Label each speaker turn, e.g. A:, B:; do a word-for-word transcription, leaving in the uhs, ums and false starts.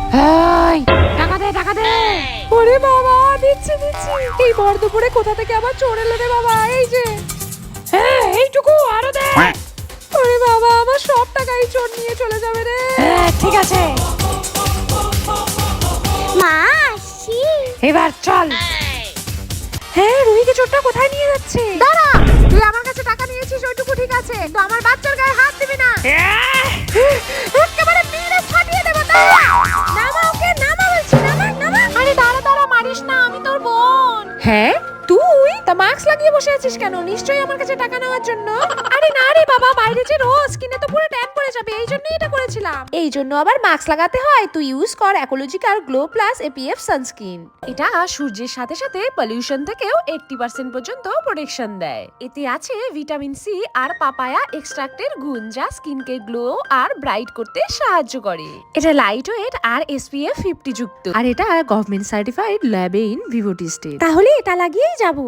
A: এই টাকা দে টাকা দে।
B: ওরে বাবা, দিচ্ছি দিচ্ছি। এই ভর দুপুরে কোথা থেকে আবার চোর এলো রে বাবা? এই যে,
A: হ্যাঁ এইটুকু আরো দে।
B: ওরে বাবা, আমার সব টাকাই চোর নিয়ে চলে যাবে রে।
A: হ্যাঁ ঠিক আছে,
C: মা আসছি।
A: এবার চল।
B: হ্যাঁ, রুহিকে চোরটা কোথায় নিয়ে যাচ্ছে? দাঁড়া, তুই আমার কাছে টাকা নিয়েছিস ওইটুকু ঠিক আছে, তো আমার বাচ্চার গায়ে হাত দিবি না। একেবারে মেরে ফাটিয়ে দেবো। দাঁড়া, নামা ওকে, নামা বলছি, নামা নামা। আরে দাঁড়া দাঁড়া, মারিস না, আমি তোর বোন। হ্যাঁ তুই তা মাস্ক লাগিয়ে বসে আছিস কেন? নিশ্চয়ই আমার কাছে টাকা নেওয়ার জন্য। আরে না রে বাবা, বাইরে যে রোজ কিনে তো পুরো ট্যান পড়ে যাবে, এই জন্যই এটা করেছিলাম। এই জন্য আবার মাস্ক লাগাতে হয়। তুই ইউজ কর ecological glow plus APF sunscreen. এটা সূর্যের সাথে সাথে পলিউশন থেকেও আশি পার্সেন্ট পর্যন্ত প্রোটেকশন দেয়। এতে আছে ভিটামিন সি আর পাপায়া এক্সট্রাক্টের গুণ, যা স্কিনকে গ্লো আর ব্রাইট করতে সাহায্য করে। এটা লাইট ওয়েট আর এসপিএফ ফিফটি যুক্ত, আর এটা গভর্নমেন্ট সার্টিফাইড ল্যাবে ইন ভিভো টেস্টেড। তাহলে এটা লাগিয়েই যাবো।